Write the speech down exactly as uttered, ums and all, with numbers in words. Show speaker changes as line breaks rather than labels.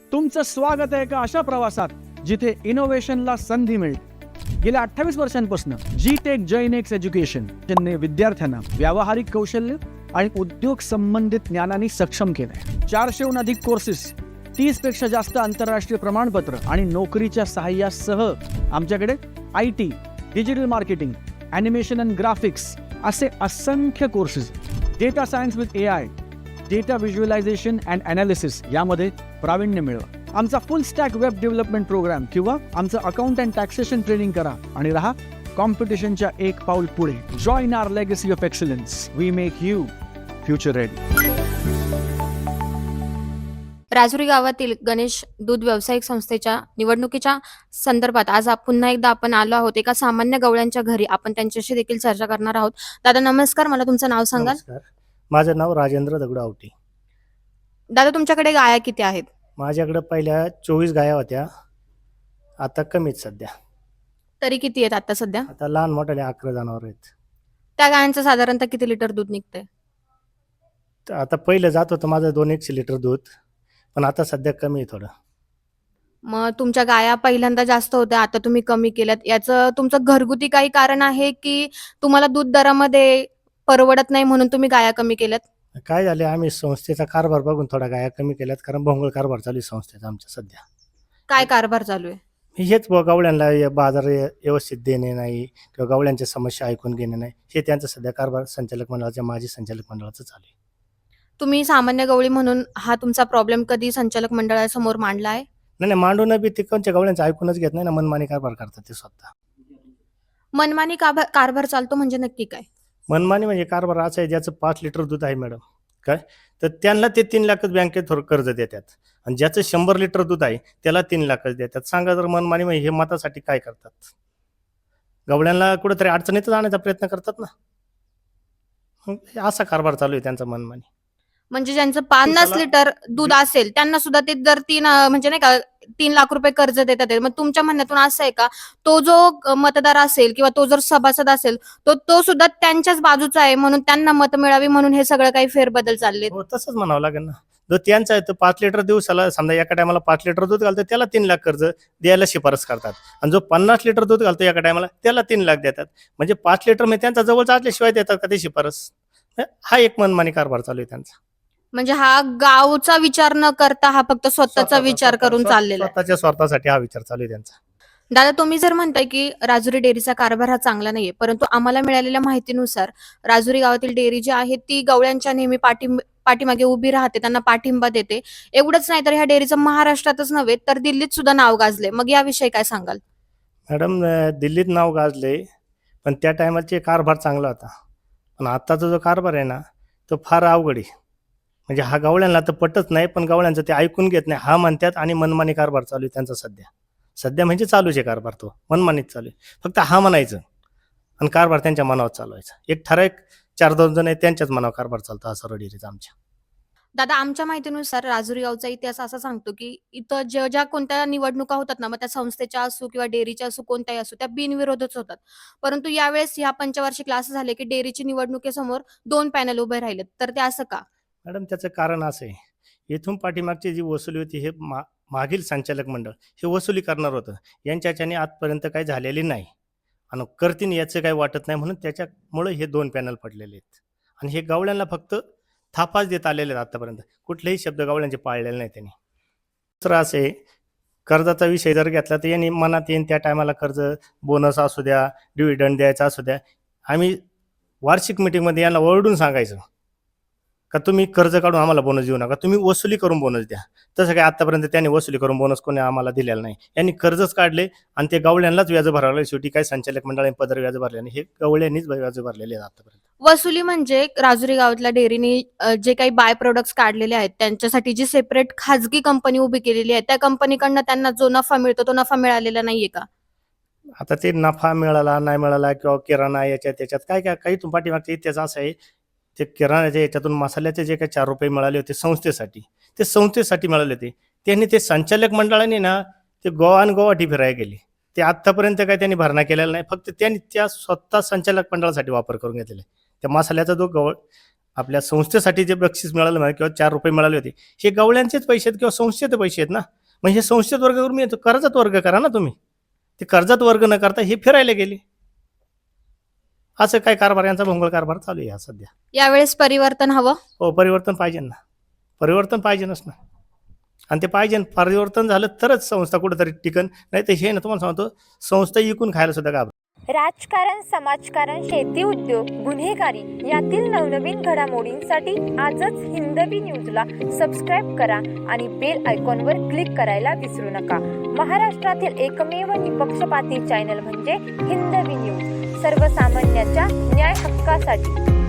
तुमचं स्वागत आहे एका अशा प्रवासात जिथे इनोव्हेशनला संधी मिळते. गेल्या अठ्ठावीस वर्षांपासून जी टेक जैनेक्स एज्युकेशन त्यांनी विद्यार्थ्यांना व्यावहारिक कौशल्य आणि उद्योग संबंधित ज्ञानाने सक्षम केलंय. चारशेहून अधिक कोर्सेस, तीस पेक्षा जास्त आंतरराष्ट्रीय प्रमाणपत्र आणि नोकरीच्या सहाय्यासह आमच्याकडे I T, digital marketing, animation and graphics असे असंख्य courses, data science with A I, data visualisation and analysis यामध्ये प्रावीण्य मिळवा. आमचा full stack web development program किंवा आमचं अकाउंट अँड टॅक्सेशन ट्रेनिंग करा आणि राहा कॉम्पिटिशनच्या एक पाऊल पुढे. Join our legacy of excellence. We make you future ready.
Rajuri गावातील गणेश दूध व्यावसायिक संस्थेच्या निवडणुकीच्या संदर्भात आज आप- पुन्हा एकदा आपण आलो आहोत एका सामान्य गवळ्यांच्या घरी. आपण त्यांच्याशी देखील चर्चा करणार आहोत. दादा नमस्कार, मला तुमचं नाव सांगाल?
नमस्कार, माझं नाव राजेंद्र दगडू आवटी.
दादा तुमच्याकडे गाया किती आहेत?
माझ्याकडे पहिल्या चोवीस गाया होत्या, आता कमीच सध्या.
तरी किती आहेत आता सध्या?
आता लहान मोठ्याने अकरा जनावर आहेत.
त्या गायांचं साधारणतः किती लिटर दूध निघतंय?
तर आता पहिलं जात होतं माझं दोन एकशे लिटर दूध, पण आता सध्या कमी आहे थोडं.
मग तुमच्या गाया पहिल्यांदा जास्त होत्या, आता तुम्ही कमी केल्यात. याचं तुमचं घरगुती काही कारण आहे की तुम्हाला दूध दरामध्ये परवडत नाही म्हणून तुम्ही गाया कमी केल्यात?
काय झाले, आम्ही संस्थेचा कारभार बघून थोडा गाया कमी केल्यात, कारण भोंगळ कारभार चालू आहे संस्थेचा आमच्या सध्या.
काय कारभार चालू आहे?
हेच ब- गवळ्यांना हे बाजार हे व्यवस्थित देणे नाही किंवा गवळ्यांच्या समस्या ऐकून घेणे नाही, हे त्यांचं सध्या कारभार संचालक मंडळाच्या माजी संचालक मंडळाचं चालू आहे.
तुम्ही सामान्य गवळी म्हणून हा तुमचा प्रॉब्लेम कधी संचालक मंडळासमोर मांडला आहे?
नाही नाही मांडून बी ते कोणत्या गवळ्यांचं ऐकूनच घेत नाही ना, मनमानी कारभार करतात ते स्वतः.
मनमानी कारभार कारभार चालतो म्हणजे नक्की काय?
मनमानी म्हणजे कारभार असं आहे, ज्याचं पाच लिटर दूध आहे मॅडम, काय तर त्यांना ते तीन लाखच बँकेत थोडं कर्ज देतात, आणि ज्याचं शंभर लिटर दूध आहे त्याला तीन लाखच देतात. सांगा जर मनमानी म्हणजे हे मतासाठी काय करतात? गवळ्यांना कुठेतरी अडचणीतच आणण्याचा प्रयत्न करतात ना. मग असा कारभार चालू आहे त्यांचा मनमानी.
म्हणजे ज्यांचं पन्नास
दिवसाला-
लिटर दूध असेल त्यांना सुद्धा ते दर तीन अं, म्हणजे नाही का तीन लाख रुपये कर्ज देतात आहे. मग तुमच्या म्हणण्यातून असं आहे का तो जो अं, मतदार असेल किंवा तो जर सभासद असेल तो तो सुद्धा त्यांच्याच बाजूचा आहे म्हणून त्यांना मत मिळावी म्हणून हे सगळं काही फेरबदल चालले?
हो तसंच म्हणावं लागेल ना. जो त्यांचा आहे तो पाच लिटर दिवसाला समजा एका टायमाला पाच लिटर दूध घालतो त्याला तीन लाख कर्ज द्यायला शिफारस करतात, आणि जो पन्नास लिटर दूध घालतो एका टायमाला त्याला तीन लाख देतात. म्हणजे पाच लिटर म्हणजे त्यांचा जवळचा असल्याशिवाय देतात का ते शिफारस? हा एक मनमानी कारभार चालू आहे त्यांचा.
म्हणजे हा गावचा विचार न करता हा फक्त स्वतःचा
स्वतःचा-
विचार करून
स्वतः-
चाललेला आहे.
स्वतःच्या स्वार्थासाठी हा विचार चालू आहे त्यांचा.
दादा तुम्ही जर म्हणताय की राजुरी डेअरीचा कारभार हा चांगला नाहीये, परंतु आम्हाला मिळालेल्या माहितीनुसार राजुरी गावातील डेअरी जी आहे ती गवळ्यांच्या नेहमी पाठिंब पाठीमागे उभी राहते, त्यांना पाठिंबा देते. एवढंच नाही तर ह्या डेअरीचं महाराष्ट्रातच नव्हे तर दिल्लीत सुद्धा नाव गाजले. मग याविषयी काय सांगाल?
मॅडम अं, दिल्लीत नाव गाजले, पण त्या टायमाचे कारभार चांगला होता. पण आत्ताचा जो कारभार आहे ना तो फार अवघड आहे. म्हणजे हा गवळ्यांना तर पटत नाही, पण गवळ्यांचं ते ऐकून घेत नाही हा म्हणतात, आणि मनमानी कारभार चालू आहे त्यांचा सध्या. सध्या म्हणजे चालूच आहे कारभार, तो मनमानीत चालू आहे. फक्त हा म्हणायचं आणि कारभार त्यांच्या मनावर चालवायचा. एक ठराविक चार दोन जण आहेत त्यांच्याच मनावर कारभार चालतो हा सर्व डेअरीचा आमच्या.
दादा आमच्या माहितीनुसार राजुरी गावचा इतिहास असा सांगतो की इथं ज्या ज्या कोणत्या निवडणुका होतात ना, मग त्या संस्थेच्या असो किंवा डेअरीच्या असो कोणत्याही असो त्या बिनविरोधच होतात. परंतु यावेळेस ह्या पंचवार्षिक क्लास झाले की डेअरीची निवडणुकीसमोर दोन पॅनल उभे राहिलेत, तर ते असं का?
मॅडम त्याचं कारण असं आहे, इथून पाठीमागची जी वसुली होती हे मा मागील संचालक मंडळ हे वसुली करणार होतं. यांच्याच्याने आजपर्यंत काही झालेली नाही, आणि करतीन याचं काही वाटत नाही, म्हणून त्याच्यामुळे हे दोन पॅनल पडलेले आहेत. आणि हे गवळ्यांना फक्त थापाच देत आलेले आहेत आतापर्यंत, कुठलेही शब्द गवळ्यांचे पाळलेले नाही त्यांनी. दुसरं असे कर्जाचा विषय जर घेतला तर यांनी मनात येईन त्या टायमाला कर्ज बोनस असू द्या, डिव्हिडंड द्यायचा असू द्या, आम्ही वार्षिक मिटिंगमध्ये यांना ओरडून सांगायचं का तुम्ही कर्ज काढून आम्हाला बोनस देऊ नका, तुम्ही वसुली करून बोनस द्या. तसं काय आतापर्यंत त्यांनी वसुली करून बोनस कोणी आम्हाला दिलेला नाही. यांनी कर्जच काढले आणि ते गवळ्यांनाच व्याज भरावं. शेवटी काय संचालक मंडळाने पदर व्याज भरले नाही, हे गवळ्यांनीच व्याज भरलेले आहेत आतापर्यंत.
वसुली म्हणजे राजुरी गावातल्या डेअरीने अ, जे काही बाय प्रोडक्ट्स काढलेले आहेत त्यांच्यासाठी जी सेपरेट खाजगी कंपनी उभी केलेली आहे त्या कंपनीकडनं त्यांना जो नफा मिळतो तो नफा मिळालेला नाहीये का?
आता ते नफा मिळाला नाही मिळाला किंवा किराणा याच्यात त्याच्यात काय काय काही तुम पाठीमागचा इतिहास असा आहे, ते किराण्याच्या याच्यातून मसाल्याचे जे काही चार रुपये मिळाले होते संस्थेसाठी, ते संस्थेसाठी मिळाले होते. त्यांनी ते संचालक मंडळाने ना ते गोवा आणि गोवाटी फिरायला गेले. ते आत्तापर्यंत काही त्यांनी भरणा केलेला नाही, फक्त त्यांनी त्या स्वतः संचालक मंडळासाठी वापर करून घेतलेला आहे. त्या मसाल्याचा जो गवळ आपल्या संस्थेसाठी जे बक्षीस मिळालं किंवा चार रुपये मिळाले होते हे गवळ्यांचेच पैसे आहेत किंवा संस्थेचे पैसे आहेत ना. मग हे संस्थेत वर्ग करून मी येतो, कर्जात वर्ग करा ना तुम्ही. ते कर्जात वर्ग न करता हे फिरायला गेले. असं काय कारभार, यांचा भोंगळ कारभार चालू आहे हा सध्या.
यावेळेस परिवर्तन हवं.
हो, परिवर्तन पाहिजे ना, परिवर्तन पाहिजेच ना. आणि ते पाहिजे, परिवर्तन झालं तरच संस्था कुठेतरी टिकन, नाही तर हे ना तुम्हाला सांगतो संस्था इकून खायला सुद्धा घाबर.
राजकारण, समाजकारण, शेती उद्योग, गुन्हेगारी यातील नवनवीन घडामोडींसाठी आजच हिंदवी न्यूजला सबस्क्राईब करा आणि बेल आयकॉनवर क्लिक करायला विसरू नका. महाराष्ट्रातील एकमेव निपक्षपाती चॅनल म्हणजे हिंदवी न्यूज, सर्वसामान्यांच्या न्याय हक्कासाठी.